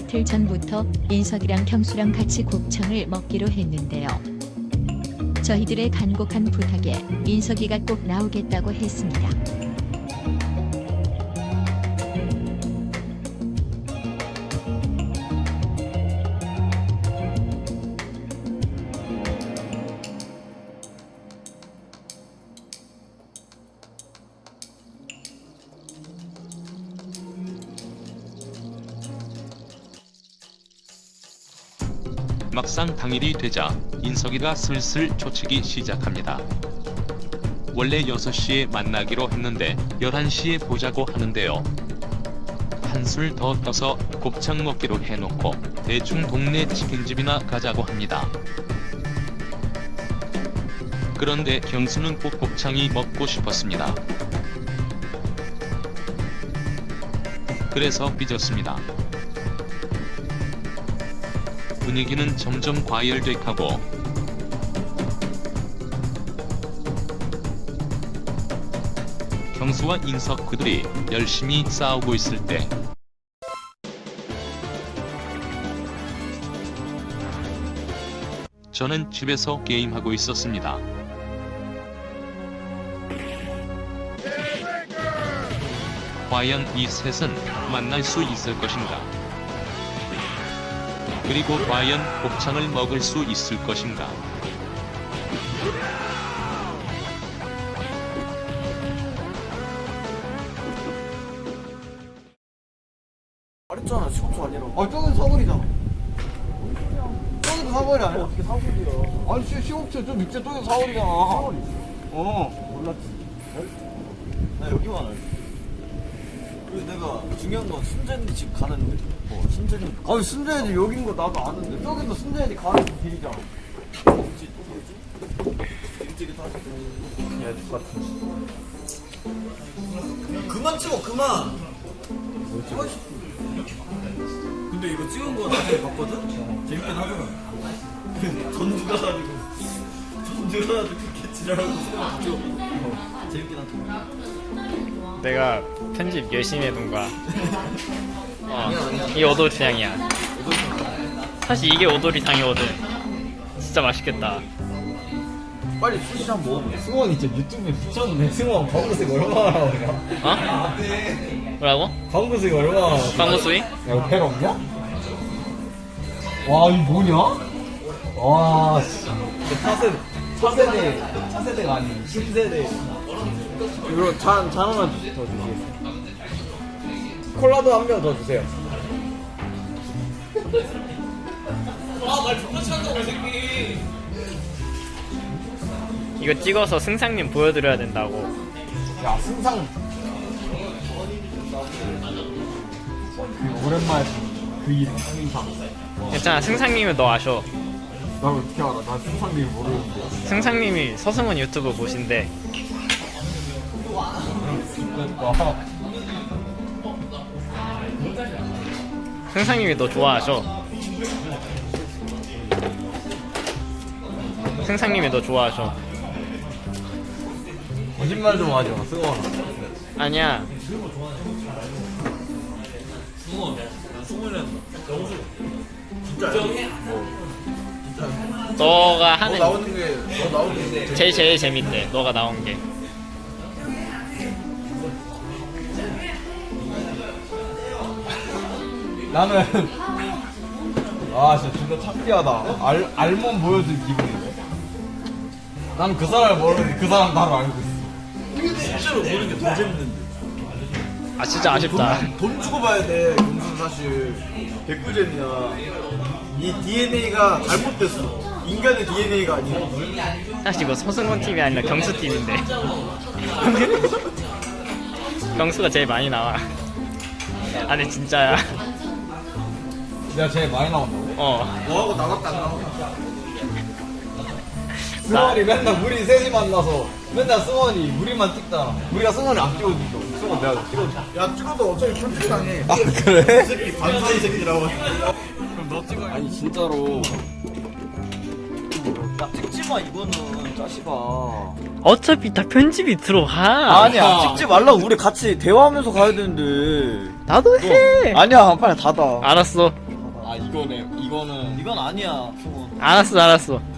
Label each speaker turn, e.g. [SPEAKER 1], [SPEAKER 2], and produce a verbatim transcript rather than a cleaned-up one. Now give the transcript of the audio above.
[SPEAKER 1] 이틀 전부터 인석이랑 경수랑 같이 곱창을 먹기로 했는데요. 저희들의 간곡한 부탁에 인석이가 꼭 나오겠다고 했습니다.
[SPEAKER 2] 막상 당일이 되자 인석이가 슬슬 초치기 시작합니다. 원래 여섯 시에 만나기로 했는데 열한 시에 보자고 하는데요. 한술 더 떠서 곱창 먹기로 해놓고 대충 동네 치킨집이나 가자고 합니다. 그런데 경수는 꼭 곱창이 먹고 싶었습니다. 그래서 삐졌습니다. 분위기는 점점 과열돼 가고 경수와 인석 그들이 열심히 싸우고 있을 때 저는 집에서 게임하고 있었습니다. 과연 이 셋은 만날 수 있을 것인가? 그리고 과연 곱창을 먹을 수 있을 것인가?
[SPEAKER 3] 말했잖아, 시국수 아니라고. 아, 저건 사거리잖아. 저건 사거리 아니야? 어떻게 사거리야? 아니, 시, 시국수 좀 밑에 저건 사거리잖아. 사거리? 어. 몰랐지. 나 여기만 알지. 그리고 내가 중요한 건 순재는 집 가는데. 어, 순재는. 아니, 순재는 여긴 거 나도 아는데. 저기도 순재는 가는 길이잖아. 뭐지, 또 뭐지? 찌릿찌릿하지. 야, 똑같은. 그만 찍어, 그만! 뭐지? 근데 이거 찍은 거 나중에 봤거든? 재밌긴 하더라. 전주가 가지고 전주가 가지고 그렇게 지랄하고 수영을 찍어. 어, 재밌긴 하더라.
[SPEAKER 4] 내가 편집 열심히 해둔 거야. 어, 이게 오돌이탕이야. 사실 이게 오돌이탕이거든. 진짜 맛있겠다.
[SPEAKER 3] 빨리 수시 한번 먹어보자. 승원이 진짜 유튜브에 붙였는데 승원 광고수익 얼마나 나오냐?
[SPEAKER 4] 어? 뭐라고?
[SPEAKER 3] 광고수익 얼마나 나오냐?
[SPEAKER 4] 광고 수익?
[SPEAKER 3] 야, 이거 벨 없냐? 와, 이거 뭐냐? 와, 씨. 차세대, 차세대, 차세대가 아닌 신세대. 이거 잔, 잔 하나 더 주시겠어요? 콜라도 한 병 더 주세요. 아, 말 존나 찬다, 이 새끼.
[SPEAKER 4] 이거 찍어서 승상님 보여드려야 된다고.
[SPEAKER 3] 야, 승상. 그 오랜만에 그 이름, 승상.
[SPEAKER 4] 괜찮아, 승상님은 너 아셔.
[SPEAKER 3] 나 어떻게 알아? 나 승상님 모르는데.
[SPEAKER 4] 승상님이 서승원 유튜브 보신대. 승상님이 너 좋아하셔. 승상님이 너 좋아하셔.
[SPEAKER 3] 거짓말 좀 하지 마, 승원아.
[SPEAKER 4] 아니야. 너가 하는
[SPEAKER 3] 나오는 게, 너 나오는 게.
[SPEAKER 4] 제일 제일 재밌대. 너가 나온 게.
[SPEAKER 3] 나는 아 진짜 존나 창피하다. 알 알몸 보여준 기분인데. 나는 그 사람을 모르는데 그 사람 나를 알고 있어. 실제로 보는 게 더 재밌는데.
[SPEAKER 4] 아 진짜 아쉽다.
[SPEAKER 3] 돈, 돈 주고 봐야 돼. 경수는 사실 개꿀잼이야. 이 디엔에이가 잘못됐어. 인간의 디엔에이가 아니야.
[SPEAKER 4] 사실 이거 서승원 팀이 아니라 경수 팀인데. 경수가 제일 많이 나와. 아니 진짜야.
[SPEAKER 3] 내가 제일 많이 나온다고?
[SPEAKER 4] 어.
[SPEAKER 3] 너하고 나밖에 안 나와. 승원이 맨날 우리 셋이 만나서 맨날 승원이 우리만 찍잖아. 우리가 승원이 안 찍어준다. 승원 내가 찍어줘. 야 찍어도 어차피 편집당해. 아 그래? 이 새끼 반사이 새끼라고. 그럼 너 찍어. 아니 진짜로. 야 찍지마 이거는 짜식아.
[SPEAKER 4] 어차피 다 편집이 들어가.
[SPEAKER 3] 아니야 찍지 말라고. 우리 같이 대화하면서 가야 되는데.
[SPEAKER 4] 나도 해.
[SPEAKER 3] 아니야 빨리 닫아.
[SPEAKER 4] 알았어.
[SPEAKER 3] 어. 아 이거네 이거는 이건 아니야 승훈.
[SPEAKER 4] 알았어 알았어.